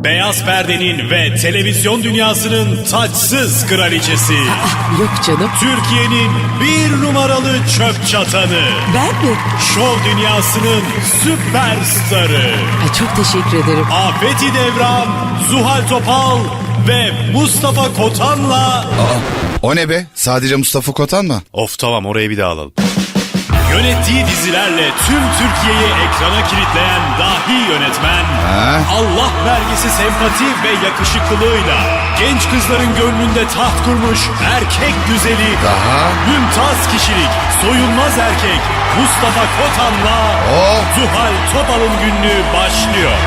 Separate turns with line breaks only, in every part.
Beyaz perdenin ve televizyon dünyasının taçsız kraliçesi.
Yok canım.
Türkiye'nin bir numaralı çöp çatanı.
Ben mi?
Şov dünyasının süperstarı.
Ay, çok teşekkür ederim.
Afeti Devran, Zuhal Topal ve Mustafa Kotan'la...
O ne be? Sadece Mustafa Kotan mı?
Of tamam, orayı bir daha alalım. Yönettiği dizilerle tüm Türkiye'yi ekrana kilitleyen dahi yönetmen, Allah vergisi sempati ve yakışıklılığıyla genç kızların gönlünde taht kurmuş erkek güzeli, mümtaz kişilik, soyunmaz erkek Mustafa Kotan'la Zuhal Topal'ın günlüğü başlıyor.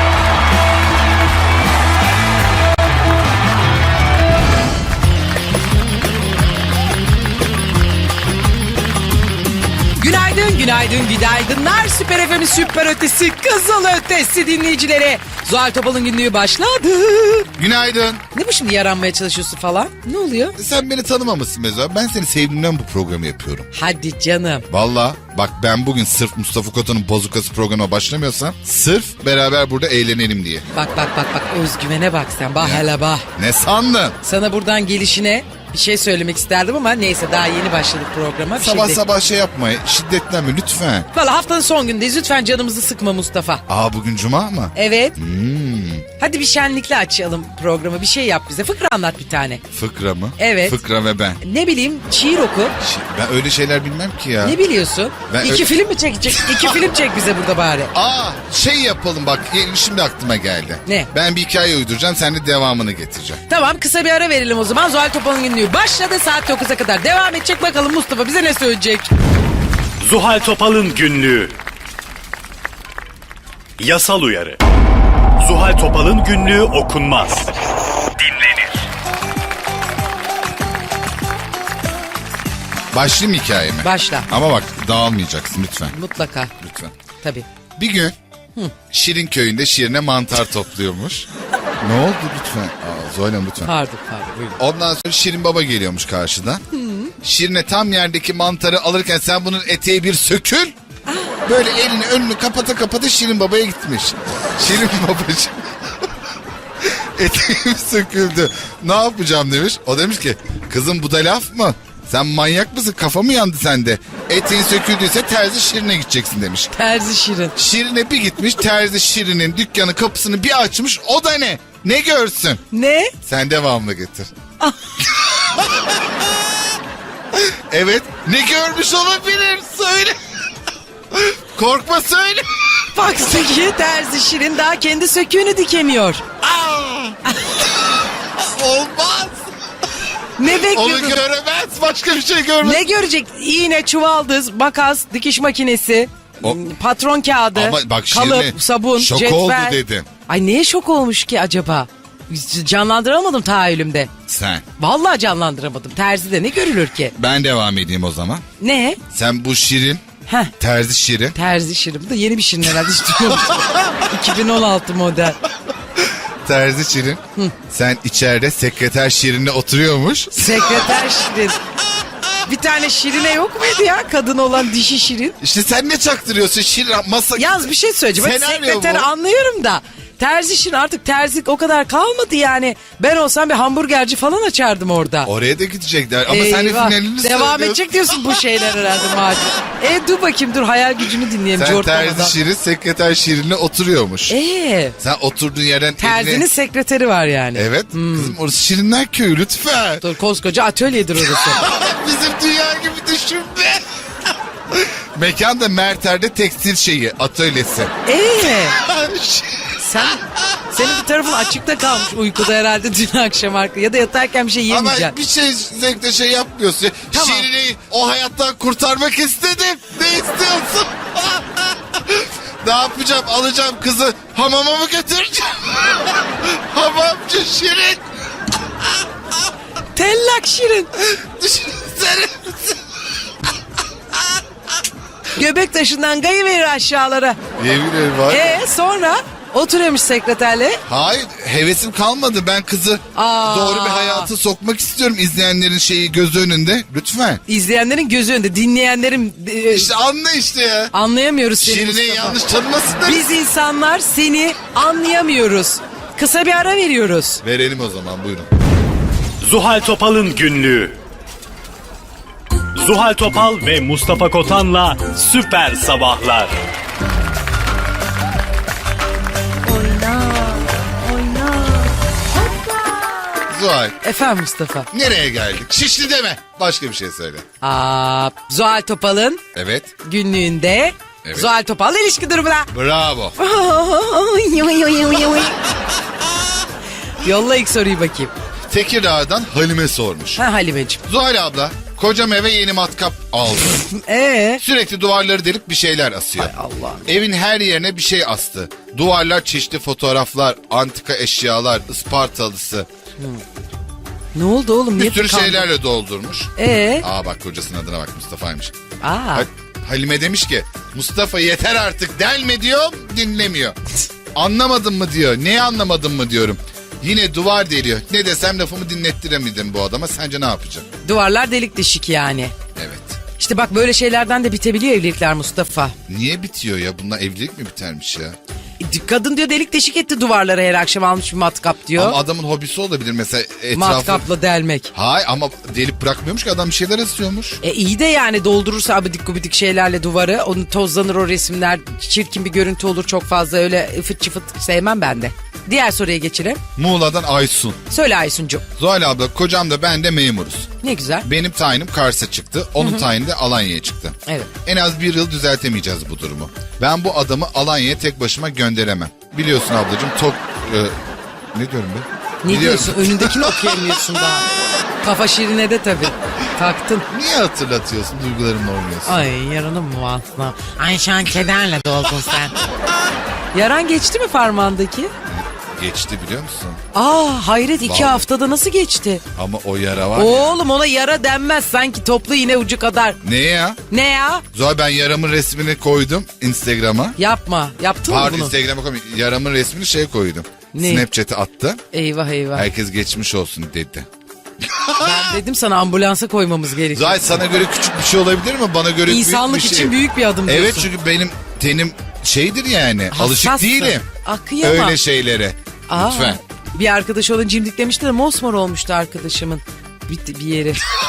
Günaydın, günaydınlar. Süper FM'in süper ötesi, kızıl ötesi dinleyicileri. Zuhal Topal'ın günlüğü başladı.
Günaydın.
Ne bu şimdi, yaranmaya çalışıyorsun falan? Ne oluyor?
Sen beni tanımamışsın Mezo. Ben seni sevdiğimden bu programı yapıyorum.
Hadi canım.
Valla bak, ben bugün sırf Mustafa Kotan'ın bozukası programa başlamıyorsam sırf beraber burada eğlenelim diye.
Bak özgüvene bak sen. Bah hele bah.
Ne sandın?
Sana buradan gelişine bir şey söylemek isterdim ama neyse, daha yeni başladık programa.
Sabah şey yapma, şiddetlenme lütfen.
Valla haftanın son gündeyiz, lütfen canımızı sıkma Mustafa.
Bugün cuma mı?
Evet. Hadi bir şenlikle açalım programı, bir şey yap bize, fıkra anlat bir tane.
Fıkra mı?
Evet.
Fıkra ve ben.
Ne bileyim, şiir oku.
Ben öyle şeyler bilmem ki ya.
Ne biliyorsun?
Ben
İki film mi çekecek? İki film çek bize burada bari.
Şey yapalım bak, şimdi aklıma geldi.
Ne?
Ben bir hikaye uyduracağım, sen de devamını getireceksin.
Tamam, kısa bir ara verelim o zaman. Zuhal Topal'ın günlüğü başladı, saat 9'a kadar devam edecek. Bakalım Mustafa bize ne söyleyecek?
Zuhal Topal'ın günlüğü. Yasal uyarı. Zuhal Topal'ın günlüğü okunmaz. Dinlenir.
Başlayayım hikayeme.
Başla.
Ama bak, dağılmayacaksın lütfen.
Mutlaka.
Lütfen.
Tabii.
Bir gün Şirin köyünde Şirin'e mantar topluyormuş. Ne oldu lütfen? Zoyla lütfen.
Pardon buyurun.
Ondan sonra Şirin Baba geliyormuş karşıdan. Şirin'e tam yerdeki mantarı alırken sen bunun eteği bir sökül. Böyle elini önünü kapata Şirin Baba'ya gitmiş. Şirin Babacığım eteğim söküldü, ne yapacağım demiş. O demiş ki, kızım bu da laf mı? Sen manyak mısın? Kafa mı yandı sende? Eteğin söküldüyse terzi Şirin'e gideceksin demiş.
Terzi Şirin.
Şirin'e bir gitmiş, terzi Şirin'in dükkanı kapısını bir açmış. O da ne? Ne görsün?
Ne?
Sen devamını getir. Evet, ne görmüş olabilir? Söyle. Korkma, söyle.
Bak Zeki, terzi Şirin daha kendi söküğünü dikemiyor.
Olmaz.
Ne
Onu
bekliyordun?
göremez, başka bir şey görmez.
Ne görecek? İğne, çuvaldız, makas, dikiş makinesi, patron kağıdı,
Ama bak,
kalıp,
Şirin'e
sabun,
şok
cetvel.
oldu dedim.
Ay neye şok olmuş ki acaba? Canlandıramadım tahayyülümde.
Sen.
Vallahi canlandıramadım. Terzide ne görülür ki?
Ben devam edeyim o zaman.
Ne?
Sen bu Şirin,
Heh.
terzi Şirin.
Terzi Şirin. Bu da yeni bir Şirin herhalde. Hiç duymamıştım. 2016 model.
Terzi Şirin. Sen içeride sekreter Şirin'le oturuyormuş.
Sekreter Şirin. Bir tane Şirine yok muydu ya? Kadın olan dişi Şirin.
İşte sen ne çaktırıyorsun Şirin? Masa...
Yaz bir şey söyleyeceğim. Hadi
Senaryo
sekreteri
bu.
anlıyorum da. Terzi Şirin, artık terzik o kadar kalmadı yani. Ben olsam bir hamburgerci falan açardım orada.
Oraya da gidecekler ama sen de
Eyvah.
finalini
Devam
söylüyorsun.
edecek diyorsun bu şeyler herhalde macun. Dur bakayım, dur hayal gücünü dinleyelim.
Sen
Cortma'dan.
terzi Şirin sekreter Şirin'le oturuyormuş. Sen oturduğun yerden
Terzinin
eline...
sekreteri var yani.
Evet. Kızım, orası Şirinler Köyü lütfen.
Dur, koskoca atölyedir orası.
Bizim dünya gibi düşünme. Mekan da Merter'de tekstil şeyi, atölyesi.
Senin bir tarafın açıkta kalmış uykuda herhalde dün akşam ya da yatarken bir şey yemeyeceksin.
Ama bir şey zevkle şey yapmıyorsun.
Tamam.
Şirin'i o hayattan kurtarmak istedim. Ne istiyorsun? Ne yapacağım? Alacağım kızı hamama mı götüreceğim? Hamamcı Şirin.
Tellak Şirin.
Düşünsene.
Göbek taşından kayıverir aşağılara.
Yemin ederim var.
Sonra oturuyormuş sekreterle.
Hayır, hevesim kalmadı. Ben kızı doğru bir hayata sokmak istiyorum. İzleyenlerin şeyi gözü önünde. Lütfen.
İzleyenlerin gözü önünde, dinleyenlerin...
İşte anla işte ya.
Anlayamıyoruz seni
Şirine'yi
Mustafa.
yanlış tanımasınlar.
Biz insanlar seni anlayamıyoruz. Kısa bir ara veriyoruz.
Verelim o zaman, buyurun.
Zuhal Topal'ın günlüğü. Zuhal Topal ve Mustafa Kotan'la Süper Sabahlar.
Zuhal,
Efendim Mustafa.
nereye geldik? Şişli deme. Başka bir şey söyle.
Zuhal Topal'ın
Evet.
günlüğünde
Evet.
Zuhal Topal'la ilişki durumuna.
Bravo.
Yolla ilk soruyu bakayım.
Tekirdağ'dan Halime sormuş.
Ha Halimeciğim.
Zuhal abla, kocam eve yeni matkap aldı. Sürekli duvarları delip bir şeyler asıyor.
Allah.
Evin her yerine bir şey astı. Duvarlar çeşitli fotoğraflar, antika eşyalar, Ispartalısı.
Ne oldu oğlum? Niye
Bir sürü
tıkandın?
şeylerle doldurmuş. Bak kocasının adına bak, Mustafa'ymış. Halime demiş ki, Mustafa yeter artık delme diyor, dinlemiyor. Anlamadın mı diyor. Neyi anlamadın mı diyorum. Yine duvar deliyor. Ne desem lafımı dinlettiremedim bu adama. Sence ne yapacağım?
Duvarlar delik deşik yani.
Evet.
İşte bak böyle şeylerden de bitebiliyor evlilikler Mustafa.
Niye bitiyor ya? Bununla evlilik mi bitermiş ya?
Kadın diyor delik deşik etti duvarları, her akşam almış bir matkap diyor.
Ama adamın hobisi olabilir mesela etrafı.
Matkapla delmek.
Hayır ama delip bırakmıyormuş ki, adam bir şeyler asıyormuş.
İyi de yani doldurursa abidik gubidik şeylerle duvarı, onu tozlanır o resimler, çirkin bir görüntü olur, çok fazla öyle fıt çıfıt sevmem ben de. Diğer soruya geçelim.
Muğla'dan Aysun.
Söyle Aysuncuğum.
Zuhal abla, kocam da ben de memuruz.
Ne güzel.
Benim tayinim Kars'a çıktı. Onun tayini de Alanya'ya çıktı.
Evet.
En az bir yıl düzeltemeyeceğiz bu durumu. Ben bu adamı Alanya'ya tek başıma gönderemem. Biliyorsun ablacığım ne diyorum be?
Ne
Biliyorum.
diyorsun? Önündekini okuyamıyorsun daha. Kafa şirine de tabii. Taktın.
Niye hatırlatıyorsun? Duygularımla oynuyorsun.
Ay yaranım mı aslında? Ay şu an kederle doldun sen. Yaran geçti mi parmağındaki?
Geçti biliyor musun?
Hayret 2
Vallahi.
haftada nasıl geçti?
Ama o yara var ya.
Oğlum ona yara denmez, sanki toplu iğne ucu kadar.
Ne ya?
Ne ya?
Zuhal, ben yaramın resmini koydum Instagram'a.
Yapma. Yaptın mı
Pardon,
bunu?
Instagram'a koydum. Yaramın resmini koydum.
Ne?
Snapchat'e attı.
Eyvah eyvah.
Herkes geçmiş olsun dedi.
Ben dedim sana ambulansa koymamız gerekiyor.
Zuhal, sana göre küçük bir şey olabilir mi? Bana göre
İnsanlık
büyük bir şey.
için büyük bir adım diyorsun.
Evet, çünkü benim tenim şeydir yani. Alışık
Hassastın.
değilim.
Kıyamam.
Öyle şeylere. Lütfen.
Bir arkadaş onu cimdiklemişti de mosmor olmuştu arkadaşımın bir yeri.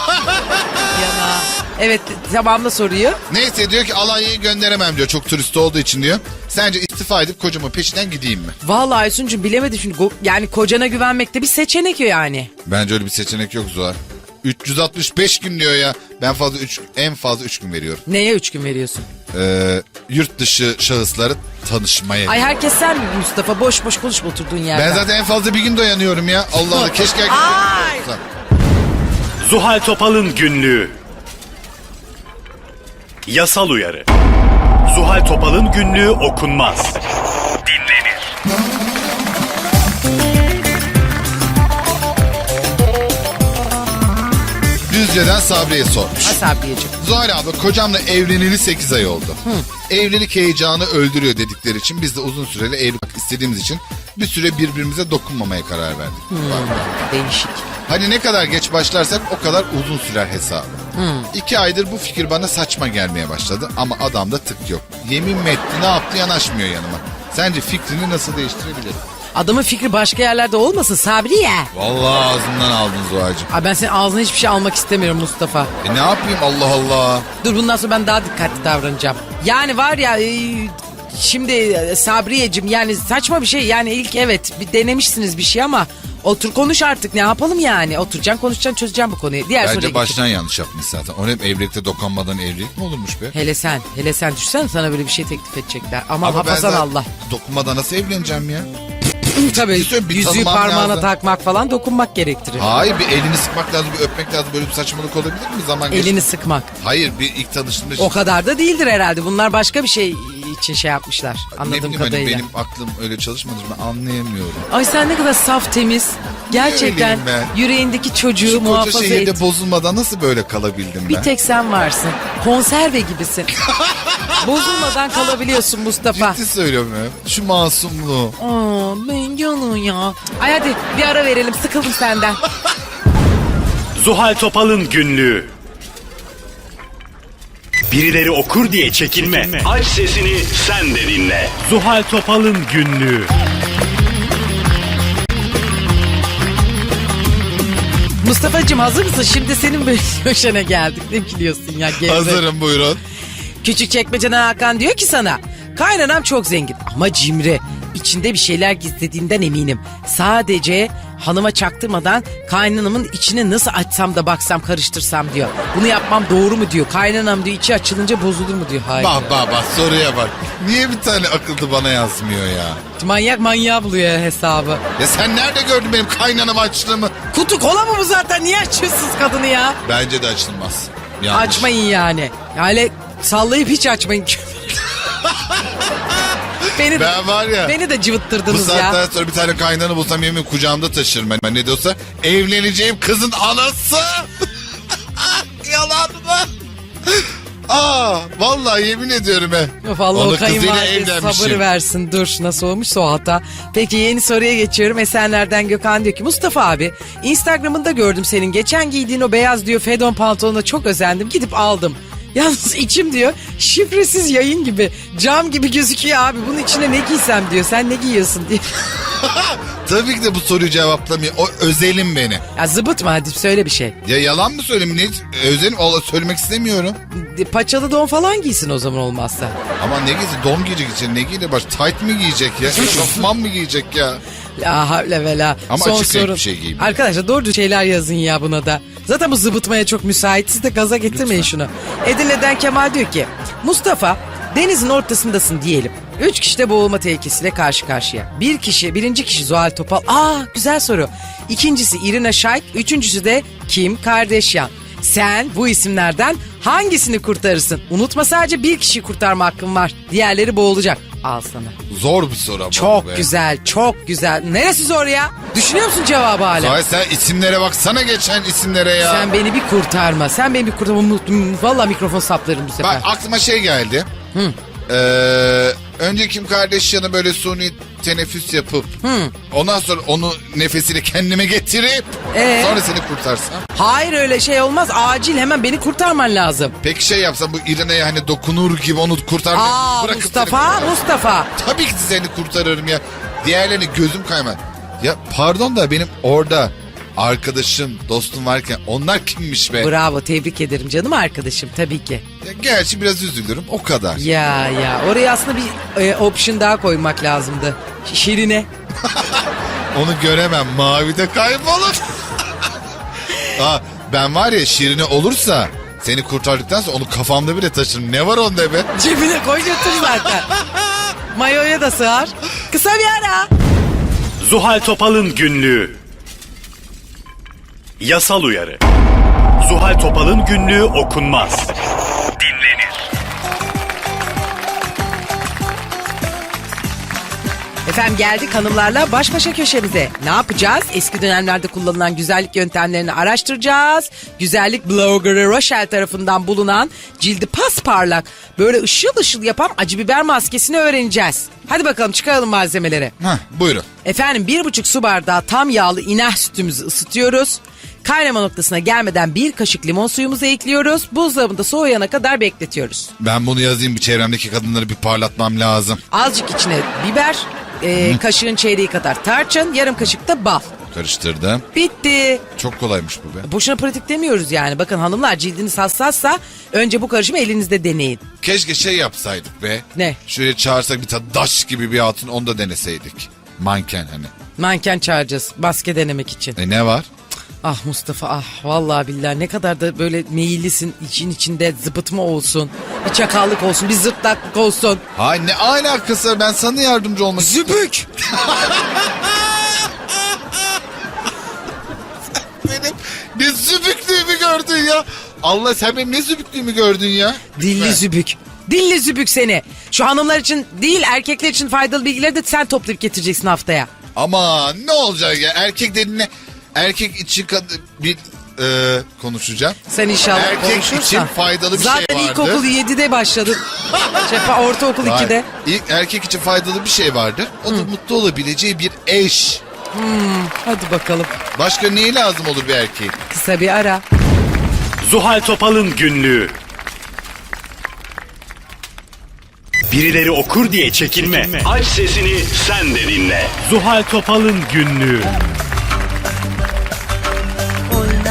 Yana. Evet, tamamla soruyu.
Neyse, diyor ki Alanya'yı gönderemem diyor. Çok turist olduğu için diyor. Sence istifa edip kocamın peşinden gideyim mi?
Vallahi Aysuncuğum bilemedim şimdi. Yani kocana güvenmek de bir seçenek yani.
Bence öyle bir seçenek yok Zuhal. 365 gün diyor ya. Ben en fazla 3 gün veriyorum.
Neye 3 gün veriyorsun?
Yurt dışı şahısları tanışmaya.
Ay herkes sen mi Mustafa? Boş boş konuşma oturduğun yerden.
Ben zaten en fazla bir gün dayanıyorum ya. Allah Allah, keşke
Ay!
Zuhal Topal'ın günlüğü. Yasal uyarı. Zuhal Topal'ın günlüğü okunmaz. Dinlenir.
Düzce'den Sabriye sormuş.
Asabiyeciğim.
Zuhal abla, kocamla evleneli 8 ay oldu. Evlilik heyecanı öldürüyor dedikleri için biz de uzun süreli evlilik istediğimiz için bir süre birbirimize dokunmamaya karar verdik.
Değişik.
Hani ne kadar geç başlarsak o kadar uzun sürer hesabı. 2 aydır bu fikir bana saçma gelmeye başladı ama adamda tık yok. Yemin mi etti, ne yaptı, yanaşmıyor yanıma. Sence fikrini nasıl değiştirebilirim?
Adamın fikri başka yerlerde olmasın Sabriye.
Vallahi ağzından aldın Zuhal'cığım.
Ay ben senin ağzına hiçbir şey almak istemiyorum Mustafa.
Ne yapayım, Allah Allah.
Dur bundan sonra ben daha dikkatli davranacağım. Yani var ya şimdi Sabriyeciğim, yani saçma bir şey. Yani ilk evet bir denemişsiniz bir şey ama otur konuş artık, ne yapalım yani. Oturacaksın, konuşacaksın, çözeceksin bu konuyu. Diğer soruya
Bence
geçelim.
baştan yanlış yapmış zaten. O hep evlilikte dokunmadan evlilik mi olurmuş be?
Hele sen düşsen sana böyle bir şey teklif edecekler. Ama
Ama ben
hafazan
zaten
Allah.
dokunmadan nasıl evleneceğim ya?
Tabii
Bir
yüzüğü
tanımam
parmağına
lazım.
takmak falan dokunmak gerektirir.
Hayır, bir elini sıkmak lazım, bir öpmek lazım. Böyle bir saçmalık olabilir mi zaman geçti?
Elini sıkmak.
Hayır, bir ilk tanıştığında...
O kadar da değildir herhalde. Bunlar başka bir şey için şey yapmışlar.
Ne
Anladığım
bileyim, hani
kadarıyla.
benim aklım öyle çalışmadı, ben anlayamıyorum.
Ay sen ne kadar saf temiz. Gerçekten
öyleyim ben?
yüreğindeki çocuğu
Şu koca
muhafaza
şehirde
et.
bozulmadan nasıl böyle kalabildim
Bir
ben?
tek sen varsın. Konserve gibisin. Bozulmadan kalabiliyorsun Mustafa.
Ciddi söylüyorum ya. Şu masumluğu.
Ben yanım ya. Ay hadi bir ara verelim, sıkıldım senden.
Zuhal Topal'ın günlüğü. Birileri okur diye çekinme. Aç sesini sen de dinle. Zuhal Topal'ın günlüğü.
Mustafa'cığım hazır mısın? Şimdi senin böyle köşene geldik. Ne biliyorsun ya? Gevre.
Hazırım, buyurun.
Küçükçekmece'den Hakan diyor ki sana. Kaynanam çok zengin ama cimri. İçinde bir şeyler gizlediğinden eminim. Sadece hanıma çaktırmadan kaynanamın içini nasıl açsam da baksam karıştırsam diyor. Bunu yapmam doğru mu diyor. Kaynanam diyor içi açılınca bozulur mu diyor. Hayır.
Bak soruya bak. Niye bir tane akıllı bana yazmıyor ya?
Manyak manyağı buluyor hesabı.
Ya sen nerede gördün benim kaynanam açlığımı?
Kutu kola mı bu zaten? Niye açıyorsunuz kadını ya?
Bence de açılmaz. Yanlış.
Açmayın yani. Yani sallayıp hiç açmayın.
Ben var ya.
Beni de
Bu
cıvıttırdınız
saatten
ya.
sonra bir tane kaynanı bulsam yemin kucağımda taşırım. Ben ne diyorsa evleneceğim kızın anası. Yalan mı? Vallahi yemin ediyorum he.
Of Allah
Onun
o kayınvalide
evlenmişim.
sabır versin. Dur nasıl olmuşsa o hata. Peki yeni soruya geçiyorum. Esenler'den Gökhan diyor ki Mustafa abi Instagram'ında gördüm senin. Geçen giydiğin o beyaz diyor fedon pantolonuna çok özendim. Gidip aldım. Yalnız içim diyor şifresiz yayın gibi cam gibi gözüküyor abi. Bunun içine ne giysem diyor. Sen ne giyiyorsun diye.
Tabii ki de bu soruyu cevaplamıyor. O özelim beni.
Ya zıbıtma hadi söyle bir şey.
Ya yalan mı söyleyeyim? Ne özelim? Söylemek istemiyorum.
Paçalı don falan giysin o zaman olmazsa.
Ama ne giyecek? Don giyecek için ne giyecek? Baş tight mi giyecek ya? Eşofman mı giyecek ya?
La havle ve la.
Ama
Son
açık renk
sorun.
bir şey giyeyim.
Arkadaşlar doğru şeyler yazın ya buna da. Zaten bu zıbıtmaya çok müsait. Siz de gaza getirmeyin şunu. Edirne'den Kemal diyor ki Mustafa denizin ortasındasın diyelim. 3 kişi de boğulma tehlikesiyle karşı karşıya. Birinci kişi Zuhal Topal. Güzel soru. İkincisi Irina Shayk. Üçüncüsü de Kim Kardashian. Sen bu isimlerden hangisini kurtarırsın? Unutma sadece bir kişiyi kurtarma hakkın var. Diğerleri boğulacak. Al sana.
Zor bir soru ama.
Çok
be.
güzel, çok güzel. Neresi zor ya? Düşünüyor musun cevabı hala?
Sahi sen isimlere baksana geçen isimlere ya.
Sen beni bir kurtarma. Sen beni bir kurtarma. Vallahi mikrofon saplarım bu sefer.
Bak aklıma şey geldi. Önce Kim Kardashian'a böyle suni teneffüs yapıp ondan sonra onu nefesiyle kendime getirip sonra seni kurtarsam.
Hayır öyle şey olmaz. Acil hemen beni kurtarman lazım.
Peki şey yapsam bu İrene'ye hani dokunur gibi onu kurtarmayı bırakıp
Mustafa.
Tabii ki seni kurtarırım ya. Diğerlerini gözüm kaymaz. Ya pardon da benim orada arkadaşım, dostum varken onlar kimmiş be?
Bravo, tebrik ederim canım arkadaşım tabii ki.
Ya gerçi biraz üzülürüm o kadar.
Ya oraya aslında bir option daha koymak lazımdı. Şirine.
Onu göremem, mavide kaybolur. Ben var ya Şirine olursa seni kurtardıktan sonra onu kafamda bile taşırım. Ne var onda be?
Cebine koy götür zaten. Mayoya da sığar. Kısa bir ara.
Zuhal Topal'ın günlüğü. Yasal uyarı. Zuhal Topal'ın günlüğü okunmaz. Dinlenir.
Efendim geldik hanımlarla baş başa köşemize. Ne yapacağız? Eski dönemlerde kullanılan güzellik yöntemlerini araştıracağız. Güzellik bloggerı Rochelle tarafından bulunan cildi pasparlak böyle ışıl ışıl yapan acı biber maskesini öğreneceğiz. Hadi bakalım çıkaralım malzemeleri.
Buyurun.
Efendim 1,5 su bardağı tam yağlı iner sütümüzü ısıtıyoruz. Kaynama noktasına gelmeden 1 kaşık limon suyumuzu ekliyoruz. Buzdolabında soğuyana kadar bekletiyoruz.
Ben bunu yazayım, bir çevremdeki kadınları bir parlatmam lazım.
Azıcık içine biber, kaşığın çeyreği kadar tarçın, yarım kaşık da bal.
Karıştırdım.
Bitti.
Çok kolaymış bu be.
Boşuna pratik demiyoruz yani. Bakın hanımlar cildiniz hassassa önce bu karışımı elinizde deneyin.
Keşke şey yapsaydık be.
Ne?
Şöyle çağırsak bir tane daş gibi bir hatun, onu da deneseydik. Manken hani.
Manken çağıracağız maske denemek için.
Ne var?
Ah Mustafa vallahi billahi ne kadar da böyle meyillisin, için içinde zıpıtma olsun. Bir çakallık olsun, bir zırtlaklık olsun.
Hay ne alakası var, ben sana yardımcı olmak istiyorum.
Zübük.
Benim ne zübüklüğümü gördün ya. Allah, sen benim ne zübüklüğümü gördün ya.
Dilli zübük. Dilli zübük seni. Şu hanımlar için değil erkekler için faydalı bilgileri de sen toplayıp getireceksin haftaya.
Ama ne olacak ya, erkek dediğine erkek için bir konuşacağım.
Sen inşallah
erkek
konuşursan.
için faydalı bir
Zaten
şey vardı.
ilkokul 7'de başladın. Ortaokul
Hayır.
2'de.
İlk erkek için faydalı bir şey vardır. O da mutlu olabileceği bir eş.
Hadi bakalım.
Başka neyi lazım olur bir erkeğin?
Kısa bir ara.
Zuhal Topal'ın günlüğü. Birileri okur diye çekinme. Aç sesini sen de dinle. Zuhal Topal'ın günlüğü.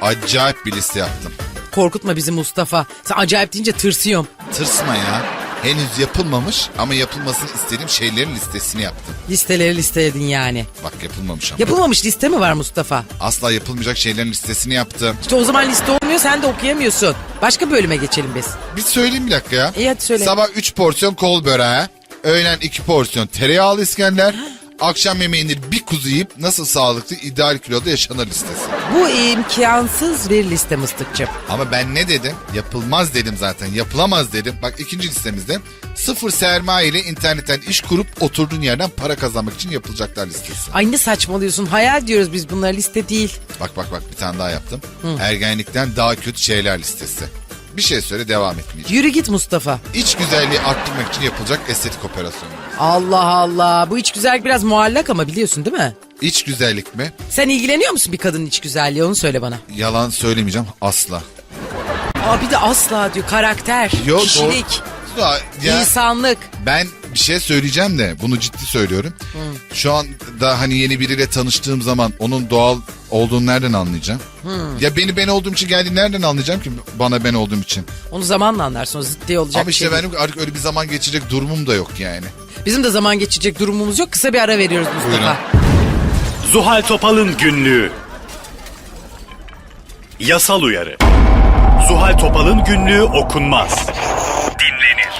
Acayip bir liste yaptım.
Korkutma bizi Mustafa. Sen acayip deyince tırsıyorum.
Tırsma ya. Henüz yapılmamış ama yapılmasını istediğim şeylerin listesini yaptım.
Listeleri listeledin yani.
Bak yapılmamış ama.
Yapılmamış liste mi var Mustafa?
Asla yapılmayacak şeylerin listesini yaptım.
İşte o zaman liste olmuyor, sen de okuyamıyorsun. Başka bölüme geçelim biz.
Bir söyleyeyim bir dakika ya.
İyi hadi söyle.
Sabah 3 porsiyon kol böreği. Öğlen 2 porsiyon tereyağlı İskender. Akşam yemeğinde bir kuzu yiyip nasıl sağlıklı ideal kiloda yaşanır listesi.
Bu imkansız bir liste Mıstıkçım.
Ama ben ne dedim? Yapılmaz dedim zaten. Yapılamaz dedim. Bak ikinci listemizde sıfır sermaye ile internetten iş kurup oturduğun yerden para kazanmak için yapılacaklar listesi.
Ay ne saçmalıyorsun, hayal diyoruz biz, bunlar liste değil.
Bak bir tane daha yaptım. Ergenlikten daha kötü şeyler listesi. Bir şey söyle, devam etmeyeceğim.
Yürü git Mustafa.
İç güzelliği arttırmak için yapılacak estetik operasyon.
Allah Allah, bu iç güzellik biraz muallak ama biliyorsun değil mi?
İç güzellik mi?
Sen ilgileniyor musun bir kadının iç güzelliği, onu söyle bana.
Yalan söylemeyeceğim asla.
Aa bir de asla diyor, karakter,
Yok,
kişilik,
Ya,
insanlık.
ben bir şey söyleyeceğim de bunu ciddi söylüyorum. Şu anda hani yeni biriyle tanıştığım zaman onun doğal olduğunu nereden anlayacağım? Ya ben olduğum için geldiğini nereden anlayacağım ki bana ben olduğum için?
Onu zamanla anlarsın, o zıt diye olacak
Ama işte
şey değil.
benim artık öyle bir zaman geçecek durumum da yok yani.
Bizim de zaman geçecek durumumuz yok, kısa bir ara veriyoruz Mustafa.
Zuhal Topal'ın günlüğü. Yasal uyarı. Zuhal Topal'ın günlüğü okunmaz. Dinlenir.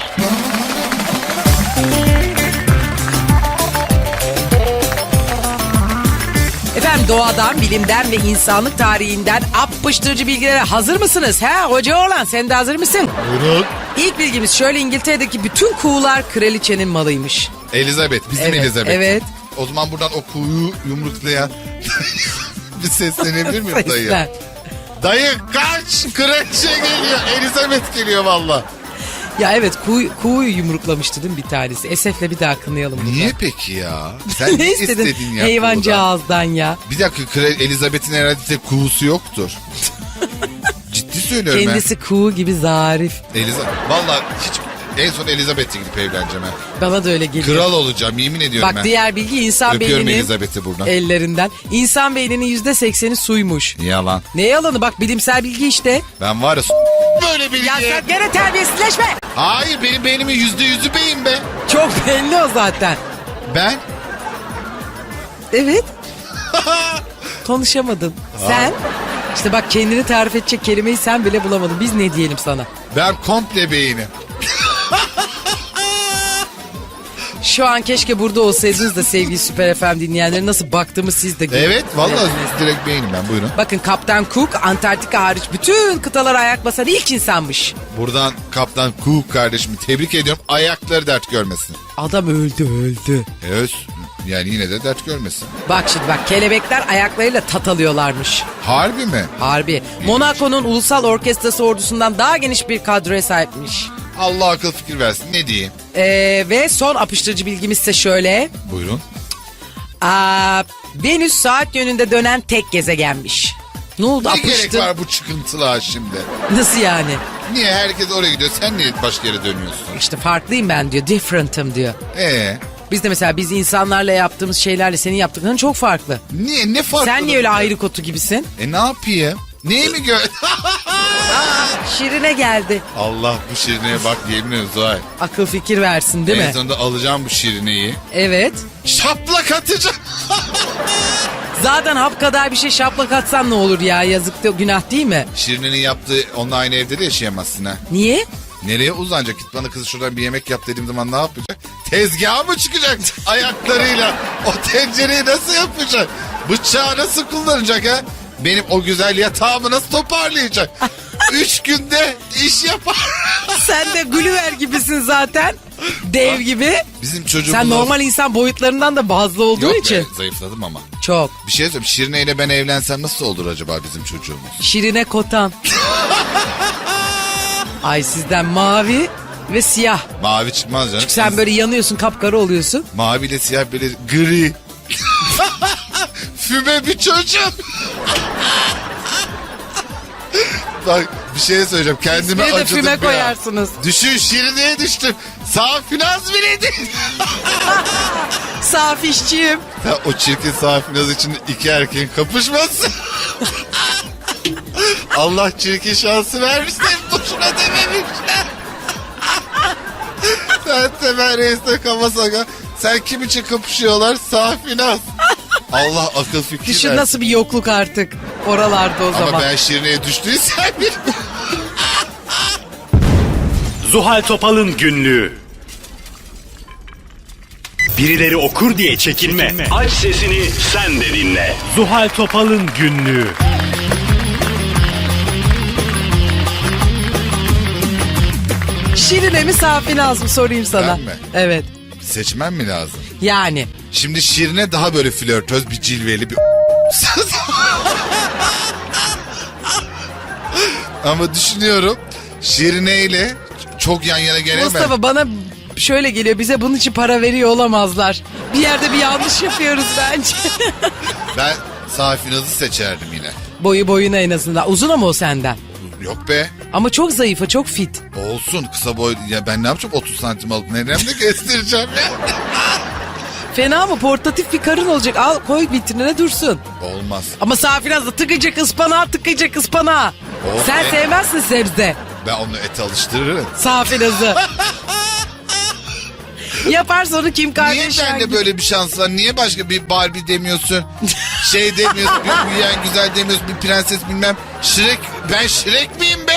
Efendim doğadan, bilimden ve insanlık tarihinden apıştırıcı bilgilere hazır mısınız? He hoca oğlan, sen de hazır mısın?
Buyurun.
İlk bilgimiz şöyle: İngiltere'deki bütün kuğular kraliçenin malıymış.
Elizabeth, bizim
Evet,
Elizabeth.
evet.
O zaman buradan o kuğuyu yumruklayan bir seslenebilir miyim dayı?
Seslen.
Dayı kaç, kraliçe geliyor, Elizabeth geliyor valla.
Ya evet, kuğuyu yumruklamıştı değil mi bir tanesi? Esef'le bir daha kınayalım bunu.
Niye peki ya? Sen
Ne istedin
ya kuğudan?
hayvancağızdan ya?
Bir dakika, Elizabeth'in herhalde tek kuğusu yoktur. Ciddi söylüyorum
Kendisi kuğu gibi zarif.
Elizabeth. Valla hiç en son Elizabeth'e gidip evleneceğim ha.
Bana da öyle geliyor.
Kral olacağım, yemin ediyorum
Bak
ben.
diğer bilgi, insan
Öpüyorum
beyninin
Elizabeth'i buradan.
ellerinden. İnsan beyninin %80'i suymuş.
Yalan.
Ne yalanı, bak bilimsel bilgi işte.
Ben var ya böyle bilgi.
Ya sen gene terbiyesizleşme.
Hayır, benim beynimin %100'ü beyin be.
Çok belli o zaten.
Ben?
Evet. Konuşamadın. Sen? İşte bak, kendini tarif edecek kelimeyi sen bile bulamadın. Biz ne diyelim sana?
Ben komple beynim.
Şu an keşke burada olsaydınız da sevgili Süper FM dinleyenleri, nasıl baktığımı siz de görün.
Evet, vallahi direkt beynim ben, buyurun.
Bakın Kaptan Cook Antarktika hariç bütün kıtalara ayak basan ilk insanmış.
Buradan Kaptan Cook kardeşimi tebrik ediyorum. Ayakları dert görmesin.
Adam öldü.
Evet, yani yine de dert görmesin.
Bak şimdi bak, kelebekler ayaklarıyla tat alıyorlarmış.
Harbi mi?
Harbi. Monaco'nun ulusal orkestrası ordusundan daha geniş bir kadroya sahipmiş.
Allah akıl fikir versin, ne diyeyim?
Ve son apıştırıcı bilgimiz ise şöyle.
Buyurun.
Venüs saat yönünde dönen tek gezegenmiş. Ne oldu,
Ne gerek
apıştın?
var bu çıkıntılığa şimdi?
Nasıl yani?
Niye herkes oraya gidiyor, sen niye başka yere dönüyorsun?
İşte farklıyım ben diyor. Different'ım diyor. Biz de mesela biz insanlarla yaptığımız şeylerle senin yaptıkların çok farklı.
Niye, ne farklı?
Sen niye öyle ayrı kotu gibisin?
Ne yapayım? Neyi mi gör?
Şirine geldi.
Allah, bu şirineye bak, yemin ediyorum Zuhal.
Akıl fikir versin değil
En
mi?
sonunda alacağım bu şirineyi.
Evet.
Şaplak atacağım.
Zaten hap kadar bir şey şaplak atsan ne olur ya, yazık da günah değil mi?
Şirinenin yaptığı, onunla aynı evde de yaşayamazsın ha.
Niye?
Nereye uzanacak? Git bana kız şuradan bir yemek yap dediğim zaman ne yapacak? Tezgaha mı çıkacak ayaklarıyla? O tencereyi nasıl yapacak? Bıçağı nasıl kullanacak ha? Benim o güzel yatağımı nasıl toparlayacak? 3 günde iş yapar.
Sen de Gulliver gibisin zaten. Dev gibi.
Bizim çocuğumuz...
Sen normal insan boyutlarından da bazlı olduğun
Yok
için.
be, zayıfladım ama.
Çok.
Bir şey söyleyeyim, Şirine ile ben evlensem nasıl olur acaba bizim çocuğumuz?
Şirine kotan. Ay sizden mavi ve siyah.
Mavi çıkmaz canım.
Çünkü sen böyle yanıyorsun, kapkara oluyorsun.
Mavi ile siyah böyle gri. Füme bir çocuk. Bak bir şey söyleyeceğim, kendime
Bir de
acıdım
füme
ya.
koyarsınız.
Düşün, Şirine'ye düştüm. Sağ finans bile değil.
Saf işçiyim.
Ya o çirkin sağ finans için iki erkeğin kapışması. Allah çirkin şansı vermiş de boşuna dememişler. Sen Temel Reis'le Kamasaka. Sen kim için kapışıyorlar? Safinaz. Allah akıl fikir
Düşün
versin.
nasıl bir yokluk artık oralarda o zaman.
Ama ben Şirine'ye düştüysem bir...
Zuhal Topal'ın günlüğü. Birileri okur diye çekinme. Aç sesini sen de dinle. Zuhal Topal'ın günlüğü.
Şirine mi Safinaz mı sorayım sana.
Ben mi?
Evet.
Seçmem mi lazım?
Yani.
Şimdi Şirine daha böyle flörtöz, bir cilveli bir... Ama düşünüyorum Şirine ile çok yan yana gelemem.
Mustafa bana şöyle geliyor, bize bunun için para veriyor olamazlar. Bir yerde bir yanlış yapıyoruz bence.
Ben Safinaz'ı seçerdim yine.
Boyu boyuna en azından. Uzun ama o senden.
Yok be.
Ama çok zayıf, çok fit.
Olsun kısa boy. Ya ben ne yapacağım 30 santim alıp neremde kestireceğim ya.
Fena mı? Portatif bir karın olacak. Al koy vitrinine dursun.
Olmaz.
Ama Safinaz da tıkayacak ıspanağı, tıkayacak ıspanağı.
Oh
Sen
be.
sevmezsin sebze.
Ben onu ete alıştırırım.
Safinaz'ı. Yaparsa onu Kim
Niye
Kardashian
bende
gibi.
böyle bir şans var? Niye başka bir Barbie demiyorsun? Şey demiyorsun, bir büyüyen güzel demiyorsun, bir prenses bilmem. Shrek, ben Shrek miyim be?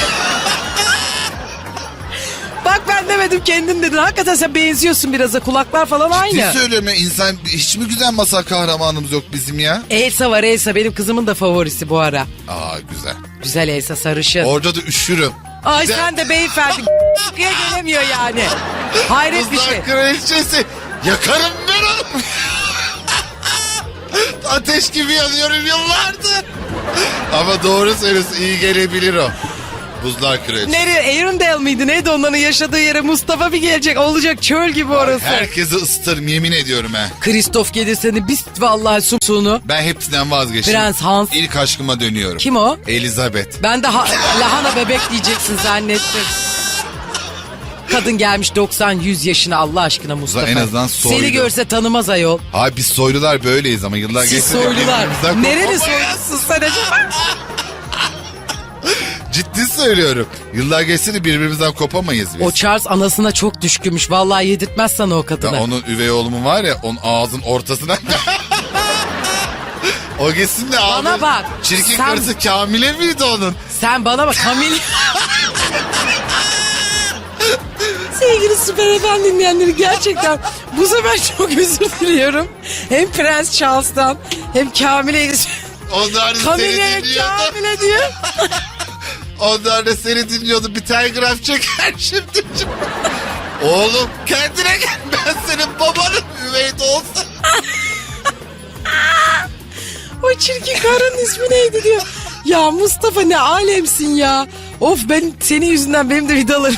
Bak ben demedim, kendin dedin. Hakikaten sen benziyorsun biraz da, kulaklar falan
Ciddi
aynı.
söylüyorum ya, insan hiç mi güzel masal kahramanımız yok bizim ya?
Elsa var, Elsa benim kızımın da favorisi bu ara.
Aa güzel.
Güzel Elsa, sarışın.
Orada da üşürüm.
Ay
Güzel.
sen de beyefendi sıkıya gelemiyor yani. Hayret bir
Kızlar
şey.
kraliçesi. Yakarım ben onu. Ateş gibi yanıyorum yıllardır. Ama doğru söylüyorsun, iyi gelebilir o. Buzlar kraliçesi.
Nereye? Arendelle miydi? Neydi onların yaşadığı yere? Mustafa bir gelecek. Olacak çöl gibi orası.
Herkesi ısıtırım yemin ediyorum ha.
Kristof gelirse de biz vallahi sumsuğunu.
Ben hepsinden vazgeçtim.
Prens Hans.
İlk aşkıma dönüyorum.
Kim o?
Elizabeth.
Ben de lahana bebek diyeceksin zannettim. Kadın gelmiş 90-100 yaşına, Allah aşkına Mustafa.
En azından soylu.
Seni görse tanımaz ayol.
Abi biz soylular böyleyiz ama yıllar
Siz
geçti de
soylular.
birbirimizden
Nereli
kopamayız.
soylusun sen acaba?
Ciddi söylüyorum. Yıllar geçti de birbirimizden kopamayız biz.
O Charles anasına çok düşkünmüş. Vallahi yedirtmez sana o
Ya
kadını.
onun üvey oğlumun var ya, onun ağzın ortasına... O gitsin de abi.
Bana bak,
Çirkin
sen-
karısı Kamile miydi onun?
Sen bana bak Kamil. Sevgili Süper FM dinleyenleri, gerçekten bu sefer çok özür diliyorum. Hem Prens Charles'tan hem Kamile.
Onlar da seni
Kamile
dinliyordu.
Kamile diyor.
Onlar da seni dinliyordu. Bir telgraf çeker şimdi. Oğlum kendine gel. Ben senin babanın üvey de olsa.
O çirkin karının ismi neydi diyor. Ya Mustafa ne alemsin ya. Of, ben senin yüzünden benim de vidalarım.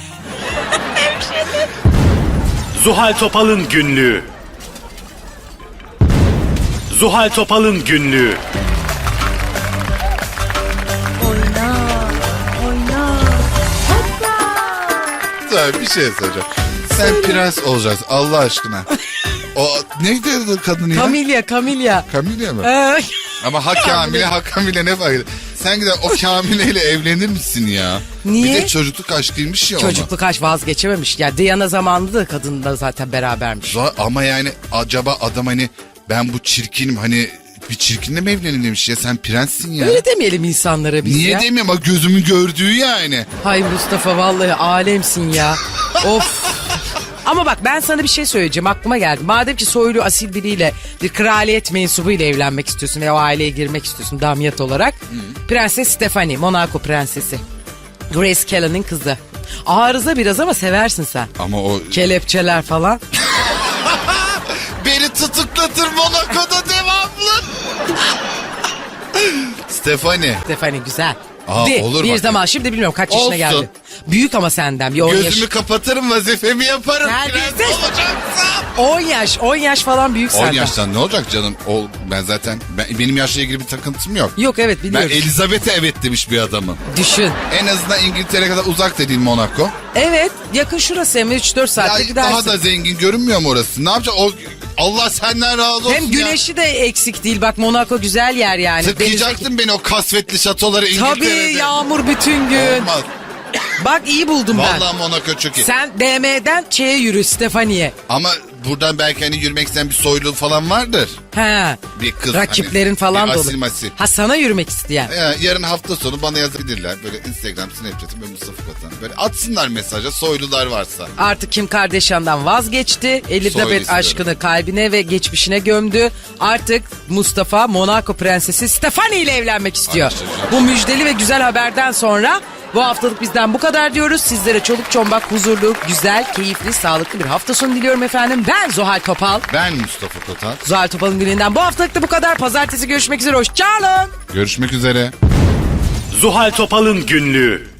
Zuhal Topal'ın günlüğü. Zuhal Topal'ın günlüğü.
Tabii bir şey söyleyeceğim. Sen prens olacaksın Allah aşkına. O neydi o kadın ya?
Kamilya.
Kamile mi?
Ee,
Ama ha Kamile ha Kamile ne fark eder? Sen gider o Kamile ile evlenir misin ya?
Niye?
Bir de çocukluk aşkıymış ya ona.
çocukluk aşk vazgeçememiş. Ya Diana zamanında da kadınla zaten berabermiş.
Ama yani acaba adam hani ben bu çirkinim hani bir çirkinle mi evlenin demiş ya, sen prenssin ya.
Öyle demeyelim insanlara biz
Niye
ya.
demiyorum, bak gözümün gördüğü yani.
Hay Mustafa, vallahi alemsin ya. Of. Ama bak ben sana bir şey söyleyeceğim, aklıma geldi. Madem ki soylu asil biriyle, bir kraliyet mensubuyla evlenmek istiyorsun veya o aileye girmek istiyorsun damyat olarak. Prenses Stephanie, Monaco prensesi. Grace Kelly'nin kızı. Arıza biraz ama seversin sen.
Ama o
Kelepçeler falan.
beni tutuklatır Monaco'da devamlı. Stephanie.
Stephanie güzel.
Aa, olur
bir
bak.
zaman, şimdi bilmiyorum kaç yaşına
Olsun.
geldi. Büyük ama senden bir 10 yaş.
Gözümü kapatırım, vazifemi yaparım.
Terbiyesiz.
Prens olacaksam.
10 yaş falan büyük
10
senden.
yaştan ne olacak canım? Ben zaten benim yaşla ilgili bir takıntım yok.
Yok evet
Ben
biliyorum.
Elizabeth'e evet demiş bir adamım.
Düşün.
En azından İngiltere kadar uzak da değil Monaco.
Evet yakın şurası, hem 3-4 saatte
Ya
gidersin.
daha da zengin görünmüyor mu orası? Ne yapacak? O Allah senden razı olsun
Hem
ya.
güneşi de eksik değil. Bak Monaco güzel yer yani.
Tıklayacaktın beni o kasvetli şatoları İngiltere'de.
Tabii yağmur bütün gün.
Olmaz.
Bak iyi buldum ben.
Vallahi Monaco çok iyi.
Sen DM'den Ç'ye yürü Stefani'ye.
Ama buradan belki hani yürümek isteyen bir soylu falan vardır.
He.
Bir kız
Rakiplerin
hani,
falan
bir
da
asil
olur.
masil.
Ha sana yürümek isteyen.
Yarın hafta sonu bana yazabilirler. Böyle Instagram, Snapchat'im böyle Mustafa Kotan. Böyle atsınlar mesaja soylular varsa.
Artık Kim Kardashian'dan vazgeçti. Elizabeth
istiyorum.
aşkını kalbine ve geçmişine gömdü. Artık Mustafa Monaco prensesi Stefani ile evlenmek istiyor.
Anlaşılacak.
Bu müjdeli ve güzel haberden sonra bu haftalık bizden bu kadar diyoruz. Sizlere çoluk çombak, huzurlu, güzel, keyifli, sağlıklı bir hafta sonu diliyorum efendim. Ben Zuhal Topal.
Ben Mustafa Kotan.
Zuhal Topal'ın gününden bu haftalık da bu kadar. Pazartesi görüşmek üzere. Hoşçakalın.
Görüşmek üzere.
Zuhal Topal'ın günlüğü.